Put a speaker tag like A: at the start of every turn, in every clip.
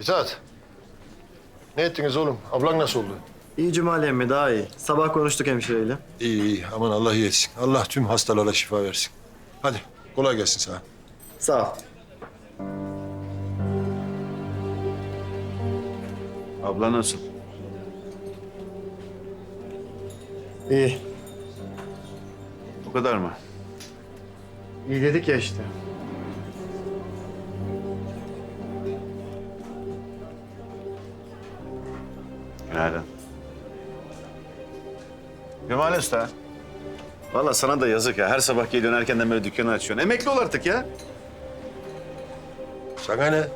A: Mithat. Ne ettiniz oğlum? Ablan nasıl oldu?
B: İyi Cumali emmi, daha iyi. Sabah konuştuk hemşireyle.
A: İyi iyi. Aman Allah iyi etsin. Allah tüm hastalara şifa versin. Hadi kolay gelsin sana.
B: Sağ ol.
C: Abla nasıl?
B: İyi.
C: Bu kadar mı?
B: İyi dedik ya işte.
C: Günaydın. Cemal Usta. Vallahi sana da yazık ya. Her sabah geliyorsun erkenden böyle dükkanı açıyorsun. Emekli ol artık ya.
A: Sana ne?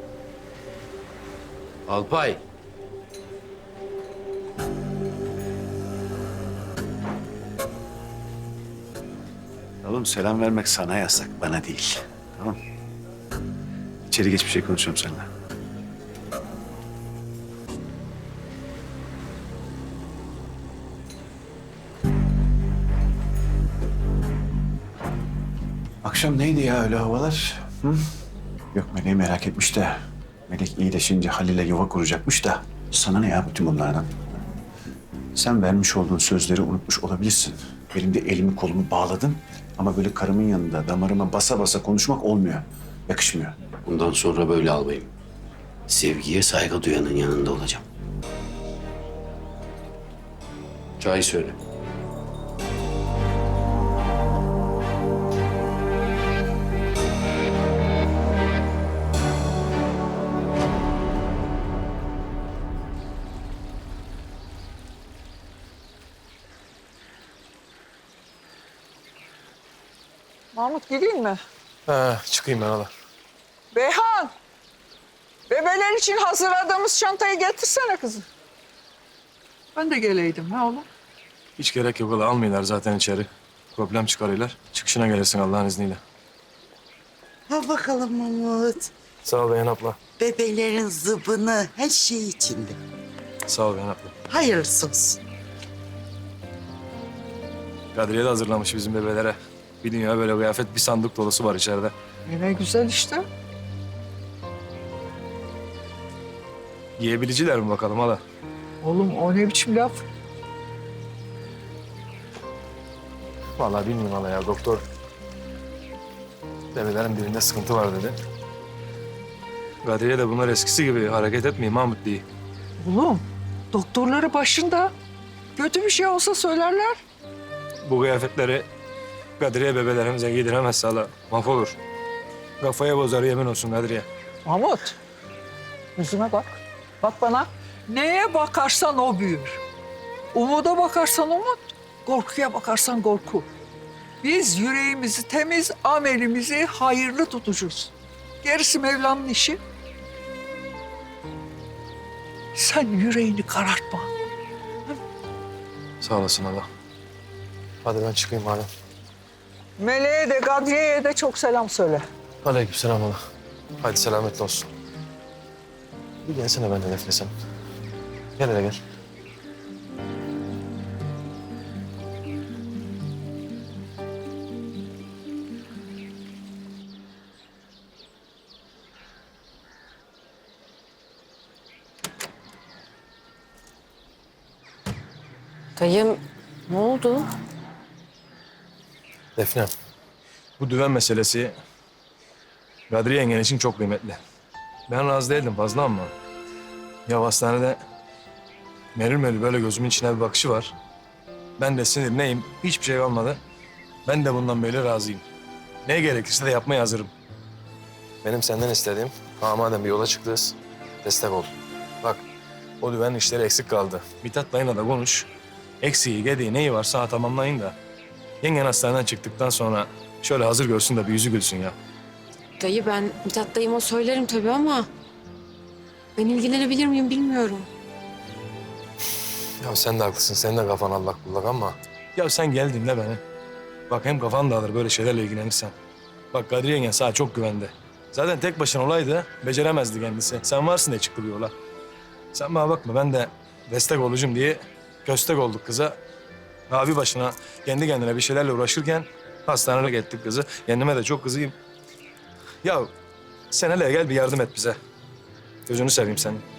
D: Alpay.
C: Oğlum selam vermek sana yasak, bana değil. Tamam. İçeri geç bir şey konuşalım seninle. Akşam neydi ya öyle havalar? Hı? Yok Melek'i merak etmiş de. Melek iyileşince Halil'e yuva kuracakmış da. Sana ne ya bütün bunlardan? Sen vermiş olduğun sözleri unutmuş olabilirsin. Benim de elimi kolumu bağladın. Ama böyle karımın yanında damarıma basa basa konuşmak olmuyor. Yakışmıyor.
D: Bundan sonra böyle albayım. Sevgiye saygı duyanın yanında olacağım. Çay söyle.
E: Mahmut gideyim mi?
F: Çıkayım ben hala.
E: Beyhan! Bebeler için hazırladığımız çantayı getirsene kızım. Ben de geleydim ha oğlum.
F: Hiç gerek yok hala. Almıyorlar zaten içeri. Problem çıkarıyorlar. Çıkışına gelirsin Allah'ın izniyle.
G: Ha bakalım Mahmut.
F: Sağ ol Beyhan abla.
G: Bebelerin zıbını her şey içinde.
F: Sağ ol Beyhan abla.
G: Hayırlısı olsun.
F: Kadriye de hazırlamış bizim bebelere. Bir dünya böyle kıyafet, bir sandık dolusu var içeride.
E: Ne güzel işte.
F: Yiyebiliciler mi bakalım hala?
E: Oğlum o ne biçim laf?
F: Vallahi bilmiyorum hala ya. Doktor bebelerin birinde sıkıntı var dedi. Kadriye de bunlar eskisi gibi hareket etmiyor Mahmut diye.
E: Oğlum doktorları başında. Kötü bir şey olsa söylerler.
F: Bu kıyafetleri Kadriye bebelerimize giydiremezse hala mahvolur. Kafaya bozar yemin olsun Kadriye.
E: Mahmut yüzüme bak. Bak bana. Neye bakarsan o büyür. Umuda bakarsan umut, korkuya bakarsan korku. Biz yüreğimizi temiz, amelimizi hayırlı tutacağız. Gerisi Mevlam'ın işi. Sen yüreğini karartma.
F: Sağ olasın hala. Hadi ben çıkayım hala.
E: Meleğe de Kadriye'ye de çok selam söyle.
F: Aleykümselam hala. Hadi selametle olsun. Bir gelsene ben de nefesem. Gel hele gel.
H: Dayım ne oldu?
F: Defne, bu düven meselesi Kadriye yengen için çok kıymetli. Ben razı değildim fazla ama ya hastanede merül merül böyle gözümün içine bir bakışı var. Ben de sinirliyim, hiçbir şey olmadı. Ben de bundan böyle razıyım. Ne gerekirse de yapmaya hazırım. Benim senden istediğim, madem bir yola çıktınız, destek ol. Bak, o düven işleri eksik kaldı. Mithat dayına da konuş. Eksiği, gediği, neyi varsa tamamlayın da. Yengen hastaneden çıktıktan sonra şöyle hazır görsün de bir yüzü gülsün ya.
H: Dayı ben Mithat dayıma söylerim tabii ama... ...ben ilgilenebilir miyim bilmiyorum.
F: Ya sen de haklısın, senin de kafan allak bullak ama... Ya sen gel dinle beni. Bak hem kafan dağılır böyle şeylerle ilgilenirsen. Bak Kadriye yengen sana çok güvendi. Zaten tek başına olaydı, beceremezdi kendisi. Sen varsın diye çıktı bu yola. Sen bana bakma, ben de destek olacağım diye köstek olduk kıza. Abi başına kendi kendine bir şeylerle uğraşırken hastaneye gittik kızı. Kendime de çok kızıyım. Ya sen hele gel bir yardım et bize. Gözünü seveyim senin.